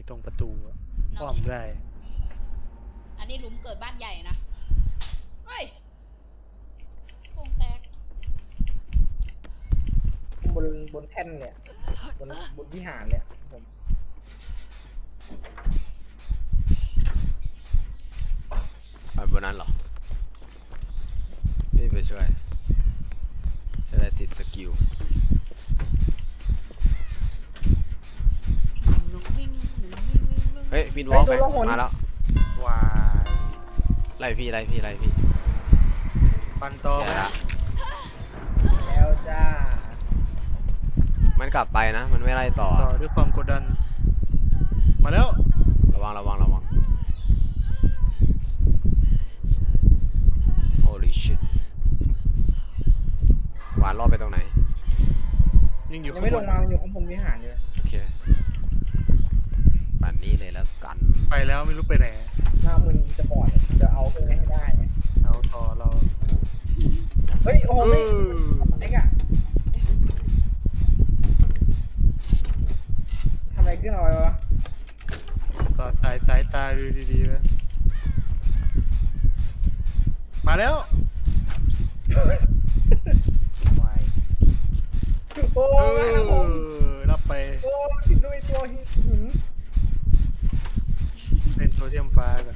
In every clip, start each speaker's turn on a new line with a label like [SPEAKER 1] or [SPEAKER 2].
[SPEAKER 1] ตรงประตูอ้อมได้
[SPEAKER 2] อันนี้หลุมเกิดบ้านใหญ่นะเฮ้ยโป่งแตก
[SPEAKER 3] บนแท่นเลยบนวิหารเลยผม
[SPEAKER 4] ไปบนนั้นเหรอพี่ไปช่วยจะได้ติดสกิลเฮ้ยบินวอล์กไปมาแล้ว
[SPEAKER 1] วาย
[SPEAKER 4] ไล่พี่ไล่พี่ไล่พี่
[SPEAKER 1] ปันต่อ
[SPEAKER 4] เดี๋ยว
[SPEAKER 1] ไหม
[SPEAKER 4] ละ
[SPEAKER 3] แล้วจ้า
[SPEAKER 4] มันกลับไปนะมันไม่ไล่ต่อ
[SPEAKER 1] ต่อด้วยความกดดันมาแล้ว
[SPEAKER 4] ระวังระวังระวัง Holy shit หวานรอบไปตรงไหน
[SPEAKER 1] ยังอยู่
[SPEAKER 3] ยัง
[SPEAKER 1] ข้าง
[SPEAKER 3] ไม่
[SPEAKER 1] บ
[SPEAKER 3] ล
[SPEAKER 1] น
[SPEAKER 3] งมาอยู่ข้างบนวิหารอยู่
[SPEAKER 4] โอเคปั่นนี้เลยแล้วกัน
[SPEAKER 1] ไปแล้วไม่รู้ไปไหน
[SPEAKER 3] หน้ามึนจะบอดจะเอาขึ้นให้ได้
[SPEAKER 1] เอาต่อเรา
[SPEAKER 3] เฮ้ยโอ้โหไม่เอ็กอะทำอะไรขึ้นเอาไว้วะ
[SPEAKER 1] ก็สายตาดูดีๆไว้มาแล้ววาย
[SPEAKER 3] โอ้ยครับผม
[SPEAKER 1] รับไป
[SPEAKER 3] โอ้ติดด้วยตัวหิน
[SPEAKER 1] เล่นโซเทียมฟ้ากัน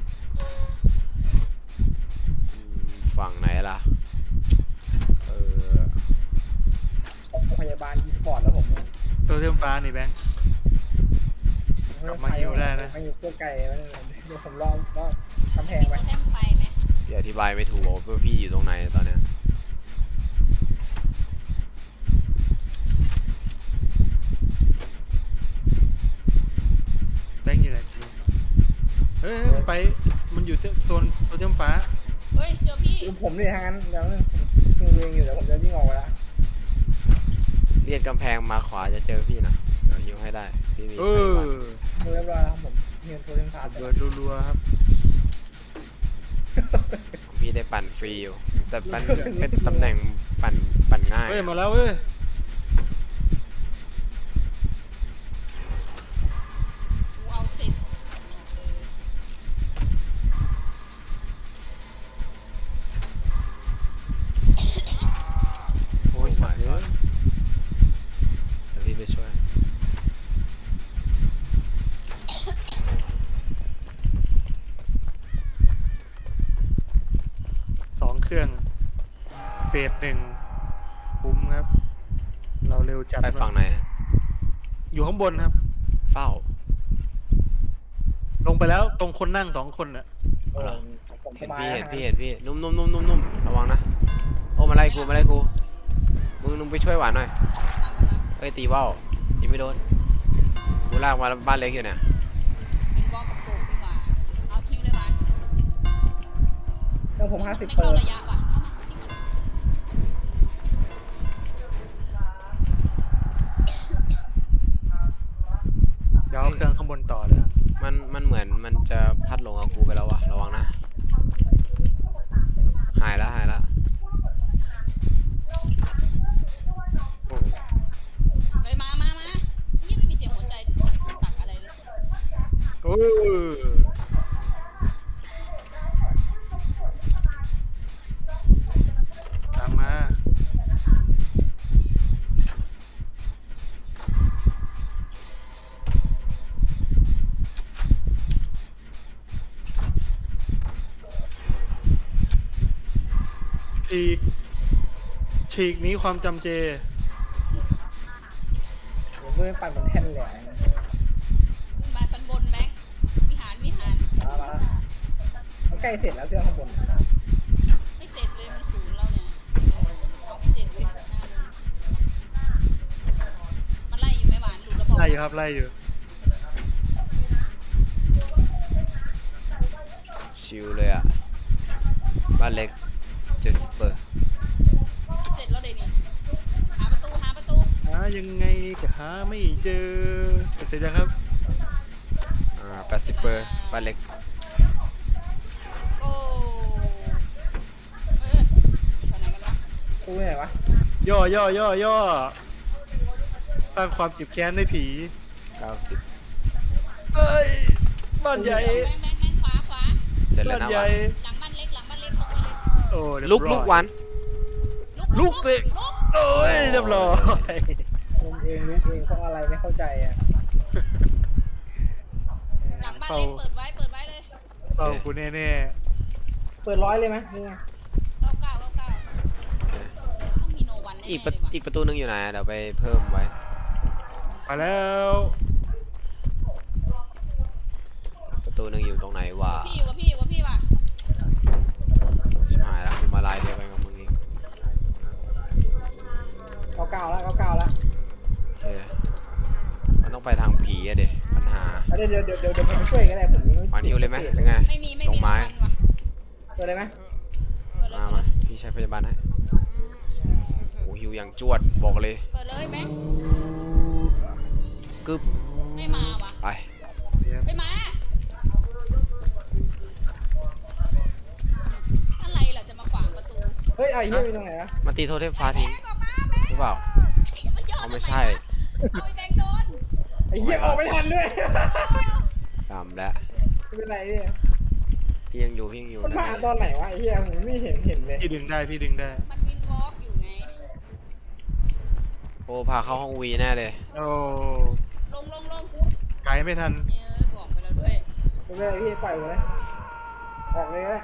[SPEAKER 4] ฝั่งไหนล่ะเออ
[SPEAKER 3] พยาบาลอีสปอร์ตแล้วผม
[SPEAKER 1] โซเทียมฟ้านี่แบงค์ กลับมาฮิวได้นะ
[SPEAKER 3] มาอยู่ตัวไก่แล้วเดี๋ยวผมรอกำแพง
[SPEAKER 2] มี
[SPEAKER 3] ไป
[SPEAKER 2] โทเทมไฟไหม
[SPEAKER 4] พี่อธิบายไม่ถูกว่าพี่อยู่ตรงไหนตอนเนี้ย
[SPEAKER 1] แบงค์อยู่ไหนเฮ้ยมันไปมันอยู่โซนโซเทียมฟ้า
[SPEAKER 2] เฮ้ยเจอพี่
[SPEAKER 3] คือผมเลยทางนั้นเดี๋ยวผมเรียงอยู่เดี๋ยวผมจะวิ่งออกไปแล้ว
[SPEAKER 4] เลียดกำแพงมาขวาจะเจอพี่นะเดี๋ยวยิงให้ได้พี่มี
[SPEAKER 1] เอ
[SPEAKER 4] ไฟ
[SPEAKER 1] อ
[SPEAKER 4] วัน
[SPEAKER 3] เรียบร้อยแล้วครับผมเฮียนโทรเทมพาส
[SPEAKER 1] เบิดรัวๆครับ
[SPEAKER 4] พี่ได้ปั่นฟรีอยู่แต่ปั่นเป็นตำแหน่งปั่นง่าย
[SPEAKER 1] เฮ้ยมาแล้วเว้ย
[SPEAKER 2] กูเอาสิบ
[SPEAKER 1] โอ้ยสัตว์
[SPEAKER 4] เดี๋ยวพี่ไปช่วย
[SPEAKER 1] 2 เครื่องเฟส1คุ้มครับ เราเร็วจัด
[SPEAKER 4] ไปฝั่งไหน
[SPEAKER 1] อยู่ข้างบนครับ
[SPEAKER 4] เฝ้า
[SPEAKER 1] ลงไปแล้วตรงคนนั่ง2 คนน่ะ
[SPEAKER 3] ผมส
[SPEAKER 4] เห็น
[SPEAKER 3] บาย
[SPEAKER 4] พี่
[SPEAKER 3] แล้ว
[SPEAKER 4] เห็นพี่เห็นพี่นุ่มระวังนะโอ้มาไล่กูมึงไปช่วยหวานหน่อย
[SPEAKER 2] ตามกำลัง
[SPEAKER 4] เอ้ยตีว่าวยิงไม่โดนกูลากมาบ้านเล็กอยู่เนี่ย
[SPEAKER 2] เป็นวอลกับปู่ดีกว่าเอาคิวเลยวัน
[SPEAKER 3] เครื่องผม50
[SPEAKER 2] ไม่
[SPEAKER 3] เปอ
[SPEAKER 2] เข้า
[SPEAKER 3] ร์
[SPEAKER 2] ระยะว่ะเอามาทิ้งก่อน
[SPEAKER 1] เดี๋ยวเอาเครื่องข้างบนต่อเลยครับ
[SPEAKER 4] มันเหมือนมันจะพัดลงกับกูไปแล้ววะระวังนะหายแล้วโอ้
[SPEAKER 2] เฮ้ยมานี่ไม่มีเสียงหัวใจตักอะไรเลย
[SPEAKER 1] โอ้ตามมาฉีกนี้ความจำเจ
[SPEAKER 3] ผมไม่ปั่นบนแท่นเลย
[SPEAKER 2] ขึ้นมาชั้นบนแบงค์วิหาร
[SPEAKER 3] มาแล้วมันใกล้เสร็จแล้วเครื่องข้างบน
[SPEAKER 2] ไม่เสร็จเลยมันศูนย์แล้วเนี่ยเอาไม่เสร็จเลยหน้าเลยมันไล่อยู่ไหมหวานหลุดแล้วบอก
[SPEAKER 1] ไล่อยู่ครับไล่อยู่
[SPEAKER 4] ชิลเลยอ่ะบ้านเล็ก70 เปอร์
[SPEAKER 2] เสร็จแล้วเดี๋ยวนี้หาประตู
[SPEAKER 1] หายังไงก็หาไม่เจอเสร็จยังครับ
[SPEAKER 4] 80 เปอร์บ้านเล็ก
[SPEAKER 2] โอ้ไปไหนกันวะ
[SPEAKER 3] กูไหนวะ
[SPEAKER 1] ย่อสร้างความเจ็บแค้นให้ผี
[SPEAKER 4] 90
[SPEAKER 1] เอ้ยบ้านใหญ่
[SPEAKER 2] แบงขวาขวา
[SPEAKER 4] เสร็จแล้ว
[SPEAKER 1] บ้าน
[SPEAKER 4] นะ
[SPEAKER 1] ใหญ่
[SPEAKER 2] หลังบ้านเล็กตรงไปเลย
[SPEAKER 1] โอ้เรียบ
[SPEAKER 4] ลุก
[SPEAKER 1] ร้อย
[SPEAKER 4] ลุกวัน
[SPEAKER 1] ลุกเลยโอ้ยเรียบร้อย
[SPEAKER 3] ลุงเองลุงเองเพราะอะไรไม่เข้าใจอ่ะ
[SPEAKER 2] หลังบ้านเล็กเปิดไว้เลย
[SPEAKER 1] เอากูแน่
[SPEAKER 3] เปิดร้อยเลยไหมนี่ไง
[SPEAKER 2] 99ต้องมีโนวันแน่ๆ
[SPEAKER 4] อีก
[SPEAKER 2] เลยว่ะ
[SPEAKER 4] อีกประตูนึงอยู่ไหนเดี๋ยวไปเพิ่มไว้
[SPEAKER 1] ๆมาแล้ว
[SPEAKER 4] ประตูนึงอยู่ตรงไหนวะ
[SPEAKER 2] พี่อยู่กับพี่ว่ะ
[SPEAKER 4] ชิบหายแล้วกูมาลายเดียวกันกับมึงอีก
[SPEAKER 3] เก้าแล้วเก้าแล้ว
[SPEAKER 4] โอเคมันต้องไปทางผีอะเด็ปัญหา
[SPEAKER 3] เดี๋ยวผมช่วยก็ได้ผมยัง
[SPEAKER 4] วานฮิวเลยไหมหรือไง
[SPEAKER 2] ไม่มี
[SPEAKER 4] ตรงไม้
[SPEAKER 2] โนวันว่ะ
[SPEAKER 3] เปิดเลยไหม
[SPEAKER 2] เปิดเลย
[SPEAKER 4] มาพี่ใช้พยาบาลให้โอ้ฮิวอย่างจวดบอกเลย
[SPEAKER 2] เปิดเลยแบงค์
[SPEAKER 4] กึบ
[SPEAKER 2] ไม่มาว่ะ
[SPEAKER 4] ไป
[SPEAKER 2] ไม่มาอะไรล่ะจะมาขวางประตู
[SPEAKER 3] เฮ้ยไอ้เหี้ยอยู่ตรงไหนนะ
[SPEAKER 4] มาตีโทเทมฟ้าทิ้ง
[SPEAKER 2] แบงค์ออกมาแบงค์
[SPEAKER 4] หรือเปล่า
[SPEAKER 2] มันย่อ
[SPEAKER 4] เอา
[SPEAKER 2] ทำ
[SPEAKER 4] ไม่ใช่
[SPEAKER 2] เอาไอ้แบงค์โดน
[SPEAKER 3] ไอ้เหี้ยออกไม่ทันด้วย
[SPEAKER 4] ตามแล้ว
[SPEAKER 3] ไม่เป็นไรเนี่ย
[SPEAKER 4] พี่ยังอยู่
[SPEAKER 3] มัน
[SPEAKER 4] นะ
[SPEAKER 3] มาตอนไหนวะไอ้เหี้ยผมไม่เห็นเลย
[SPEAKER 1] พี่ดึงได้พี่ดึงได้
[SPEAKER 2] มันวินวอล์กอยู่ไง
[SPEAKER 4] โอ้พาเข้าห้องวีแน่เลย
[SPEAKER 1] โอ้
[SPEAKER 2] ลง
[SPEAKER 1] ไกลไม่ทัน
[SPEAKER 2] กออกไปแล้วด้วย
[SPEAKER 3] ไม่เป็นไรพี่ปล่อยผมเลยออกเลยก็ได้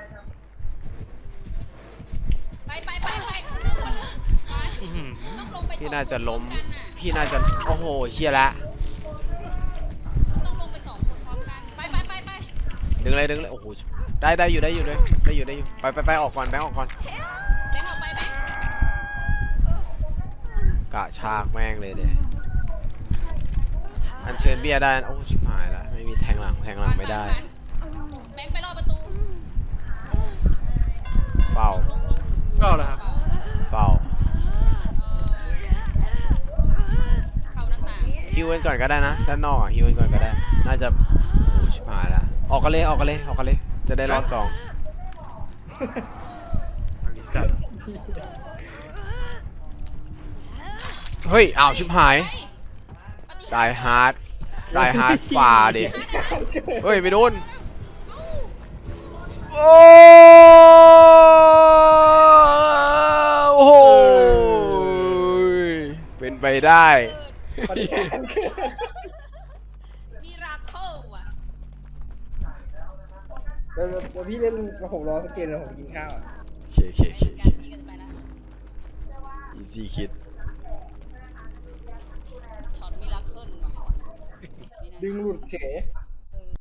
[SPEAKER 2] ไปเร็วกว่าไป
[SPEAKER 1] อื้อหือ
[SPEAKER 2] ต้องลงไป
[SPEAKER 4] พี่น่าจะล้ม
[SPEAKER 2] สองคนพร้อกันน่ะ
[SPEAKER 4] พี่น่าจะโอ้โหเชี่ยละ
[SPEAKER 2] มันต้องลงไป2 คนพร้อมกัน ไป
[SPEAKER 4] ดึงเลยโอ้โหได้อยู่ไปออกก่อนแบงค์ออกก่อน
[SPEAKER 2] แบงค์ออกไปแบงค์
[SPEAKER 4] กะชากแม่งเลยเด้อันเชิญเบียร์ได้โอ้ชิบหายละไม่มีแทงหลังไม่ได้
[SPEAKER 2] แบงค์ไปรอบประตู
[SPEAKER 4] เฝ้า
[SPEAKER 2] ลง
[SPEAKER 1] เข้าแล้วครับ
[SPEAKER 4] เฝ้า
[SPEAKER 2] เข้าหน้าต่าง
[SPEAKER 4] ฮิวกันก่อนก็ได้นะด้านนอกฮิวกันก่อนก็ได้น่าจะโอ้ชิบหายละออกกันเลยจะได้รอด 2
[SPEAKER 1] อลิสัน
[SPEAKER 4] เฮ้ยอ้าวชิบหายได้ฮาร์ดฝ่าดิเฮ้ยไม่โดนโอ้โหเป็นไปได้
[SPEAKER 3] ปฏิหารย์เกิด
[SPEAKER 2] มีราโคอ่ะ
[SPEAKER 3] เดี๋ยวพี่เล่นกับผมรอสักเกมเดี๋ยวผมกินข้าวอะ
[SPEAKER 4] เค
[SPEAKER 2] ไปเหมือนกันพี่ก็จะไปแล้ว
[SPEAKER 4] easy kid
[SPEAKER 2] ช็อตมีราเคิลว่ะ
[SPEAKER 3] ดึงหลุดเฉย